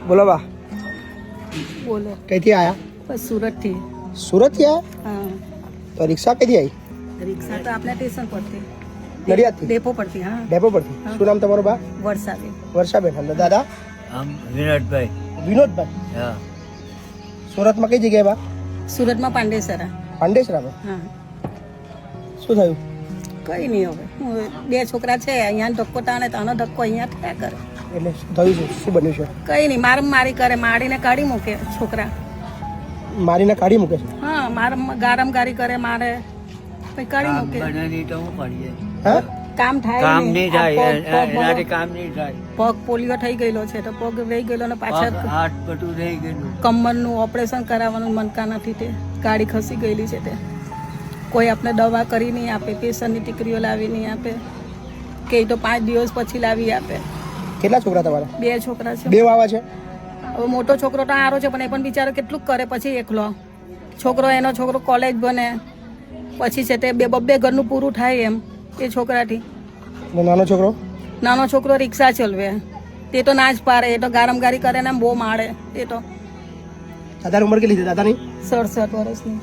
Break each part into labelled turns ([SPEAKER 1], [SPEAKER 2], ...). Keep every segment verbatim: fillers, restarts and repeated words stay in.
[SPEAKER 1] બોલો બા,
[SPEAKER 2] બોલો.
[SPEAKER 1] કઈથી આયા?
[SPEAKER 2] બસ સુરત થી.
[SPEAKER 1] સુરત થી આયા?
[SPEAKER 2] હા.
[SPEAKER 1] તો રિક્ષા કઈથી આવી?
[SPEAKER 2] રિક્ષા તો આપણે સ્ટેશન પરથી,
[SPEAKER 1] નડિયાદથી?
[SPEAKER 2] ડેપો પરથી. હા,
[SPEAKER 1] ડેપો પરથી. શું નામ તમારું બા?
[SPEAKER 2] વરસાદે.
[SPEAKER 1] વર્ષાબેન. અને દાદા?
[SPEAKER 3] આમ વિનોદભાઈ.
[SPEAKER 1] વિનોદભાઈ.
[SPEAKER 3] હા.
[SPEAKER 1] સુરતમાં કઈ જગ્યાએ બા?
[SPEAKER 2] સુરતમાં પાંડેસરા.
[SPEAKER 1] પાંડેસરામાં.
[SPEAKER 2] હા.
[SPEAKER 1] શું થયું?
[SPEAKER 2] કઈ નહીં હવે. હું બે છોકરા છે, અહીંયા ધક્કો તાણે તો આનો ધક્કો અહીંયા થયા કરે.
[SPEAKER 1] એટલે શું થયું છે? શું બન્યું છે?
[SPEAKER 2] કઈ નહીં, મારમ મારી કરે, મારીને કાઢી મૂકે છોકરા.
[SPEAKER 1] મારીને કાઢી મૂકે છે?
[SPEAKER 2] હા, મારમ ગારમ ગારી કરે, મારે પછી કાઢી
[SPEAKER 3] કામ
[SPEAKER 2] મૂકે.
[SPEAKER 3] બને તો હું કરીએ.
[SPEAKER 1] હા?
[SPEAKER 2] કામ થાય
[SPEAKER 3] કામ
[SPEAKER 2] નહીં.
[SPEAKER 3] નહીં
[SPEAKER 2] આ
[SPEAKER 3] થાય
[SPEAKER 2] પગ-
[SPEAKER 3] એ-
[SPEAKER 2] પગ-
[SPEAKER 3] એનાથી કામ નહીં થાય.
[SPEAKER 2] પગ પોલિયો થઈ ગયેલો છે તો પગ રહી ગયેલો ને પાછળ
[SPEAKER 3] પગ, હાથ બધું રહી ગયેલું.
[SPEAKER 2] કમરનું ઓપરેશન કરાવવાનું મનકા નથી, તે ગાડી ખસી ગયેલી છે. તે કોઈ આપણે દવા કરી નહીં આપે, પેશન્ટની ટીકરીઓ લાવી નહીં આપે, કે તો પાંચ દિવસ પછી લાવી આપે.
[SPEAKER 1] કેટલા છોકરા તમારા?
[SPEAKER 2] બે છોકરા છે.
[SPEAKER 1] બે વાવા છે?
[SPEAKER 2] હવે મોટો છોકરો તો આરો છે, પણ એ પણ બિચારો કેટલું કરે પછી એકલો. છોકરો એનો છોકરો કોલેજ બને પછી છે તે બે બબ્બે ઘરનું પૂરું થાય એમ એ છોકરાથી.
[SPEAKER 1] અને નાનો છોકરો?
[SPEAKER 2] નાનો છોકરો રિક્ષા ચલવે, તે તો ના જ પાડે, એ તો ગારમગારી કરે ને બહુ મારે. એ તો
[SPEAKER 1] દાદાની ઉંમર કેટલી છે દાદાની?
[SPEAKER 2] સડસઠ વર્ષની.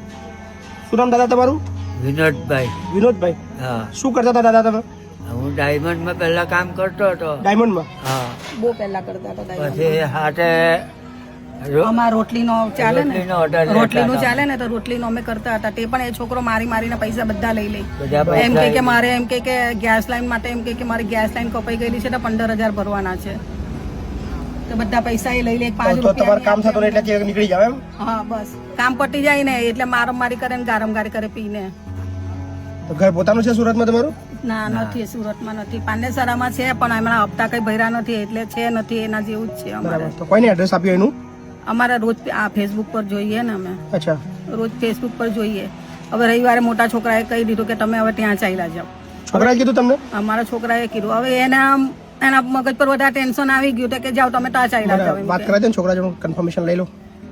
[SPEAKER 1] શું નામ દાદા તમારું?
[SPEAKER 3] વિનોદભાઈ.
[SPEAKER 1] વિનોદભાઈ.
[SPEAKER 3] હા.
[SPEAKER 1] શું કરતા હતા દાદા તમે?
[SPEAKER 3] હું ડાયમંડમાં પહેલા કામ કરતો હતો.
[SPEAKER 1] ડાયમંડમાં?
[SPEAKER 3] હા.
[SPEAKER 2] બહુ પહેલા કરતા હતા દાદા.
[SPEAKER 3] પછી હાથે રો-
[SPEAKER 2] અમાર રોટલીનો ચાલે ને,
[SPEAKER 3] રોટલીનો order લેતા
[SPEAKER 2] રોટલીનું
[SPEAKER 3] હતા.
[SPEAKER 2] ચાલે ને તો રોટલીનો અમે કરતા હતા. તે પણ એ છોકરો મારી મારીને પૈસા બધા લઈ લે.
[SPEAKER 3] બધા
[SPEAKER 2] એમ
[SPEAKER 3] પૈસા
[SPEAKER 2] કે કે મારે એમ કે કે ગેસ લાઈન માટે એમ કે કે મારી ગેસ લાઈન કપાઈ ગયેલી છે તો પંદર હજાર ભરવાના છે, તો બધા પૈસા એ લઈ લે. પાંચ
[SPEAKER 1] તો તમારું
[SPEAKER 2] રૂપિયા
[SPEAKER 1] કામ થતું નહીં એટલે નીકળી જાવ એમ?
[SPEAKER 2] હા, બસ કામ પટી જાય ને એટલે મારમ મારી કરે ને ગારમ ગારી કરે પીને.
[SPEAKER 1] તો ઘર પોતાનું છે સુરતમાં તમારું?
[SPEAKER 2] ના, નથી, સુરતમાં નથી, પાંડેસરામાં છે, પણ હમણાં હપ્તા કઈ ભર્યા નથી એટલે છે નથી, એના જેવું જ છે અમારે.
[SPEAKER 1] બરાબર. તો કોઈને એડ્રેસ આપ્યું એનું?
[SPEAKER 2] અમારે રોજ આ ફેસબુક પર જોઈએ ને, અમે
[SPEAKER 1] અચ્છા.
[SPEAKER 2] રોજ ફેસબુક પર જોઈએ. હવે રવિવારે મોટા છોકરાએ કહી દીધું કે તમે હવે ત્યાં ચાલ્યા જાઓ.
[SPEAKER 1] છોકરાએ કીધું તમને?
[SPEAKER 2] અમારા છોકરાએ કીધું. હવે એના એના મગજ પર વધારે ટેન્શન આવી ગયું તો કે જાઓ તમે ત્યાં ચાલ્યા જાઓ.
[SPEAKER 1] બરાબર. વાત કરાવી દે ને છોકરા જોડે, કન્ફર્મેશન લઈ લો.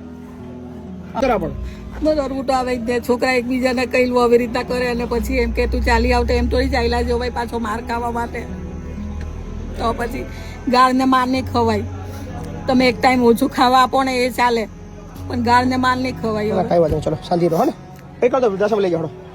[SPEAKER 1] બરાબર.
[SPEAKER 2] બધું તો આવે જ. છોકરા એકબીજાને કઈ આવી રીતના કરે અને પછી એમ કે તું ચાલી આવતો, એમ થોડી ચાલ્યા જાઓ ભાઈ, પાછો માર ખાવા માટે. તો પછી ગાળને માર નહીં ખવાય. તમે એક ટાઈમ ઓછું ખાવા આપો ને એ ચાલે, પણ ગાળને માર નહીં ખવાય.
[SPEAKER 1] કઈ વાત નહીં, ચલો શાંતિ રહો. હા ને? કઈ કરતો વૃદ્ધાશ્રમ લઈ જાઓ.